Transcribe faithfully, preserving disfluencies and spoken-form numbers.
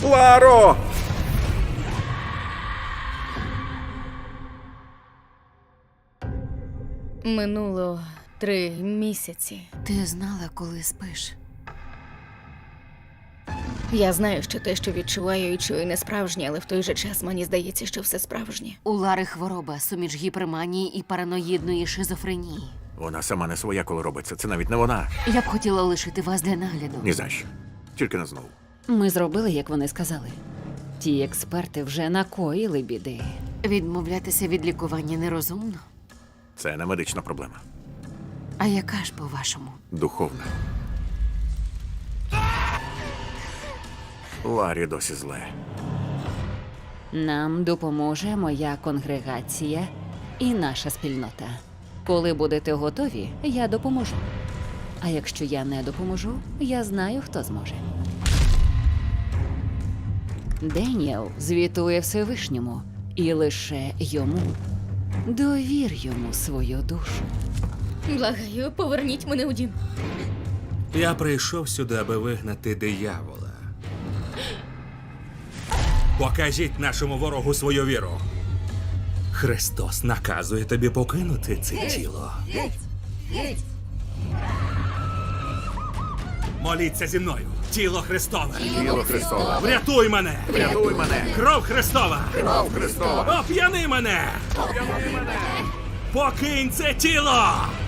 Ларо! Минуло три місяці. Ти знала, коли спиш? Я знаю, що те, що відчуваю і чую, не справжнє, але в той же час мені здається, що все справжнє. У Лари хвороба, суміч гіперманії і параноїдної шизофренії. Вона сама не своя, коли робиться. Це навіть не вона. Я б хотіла лишити вас для нагляду. Ні за що. Тільки не знову. Ми зробили, як вони сказали. Ті експерти вже накоїли біди. Відмовлятися від лікування нерозумно. Це не медична проблема. А яка ж, по-вашому? Духовна. Ларі досі зле. Нам допоможе моя конгрегація і наша спільнота. Коли будете готові, я допоможу. А якщо я не допоможу, я знаю, хто зможе. Деніел звітує Всевишньому, і лише йому. Довір йому свою душу. Благаю, поверніть мене у дім. Я прийшов сюди, аби вигнати диявола. Покажіть нашому ворогу свою віру. Христос наказує тобі покинути це тіло. Моліться зі мною. Тіло Христове. Тіло Христове. Врятуй мене. Врятуй мене. Кров Христова. Кров Христова. Оп'яни мене. Оп'яни мене. Покинь це тіло.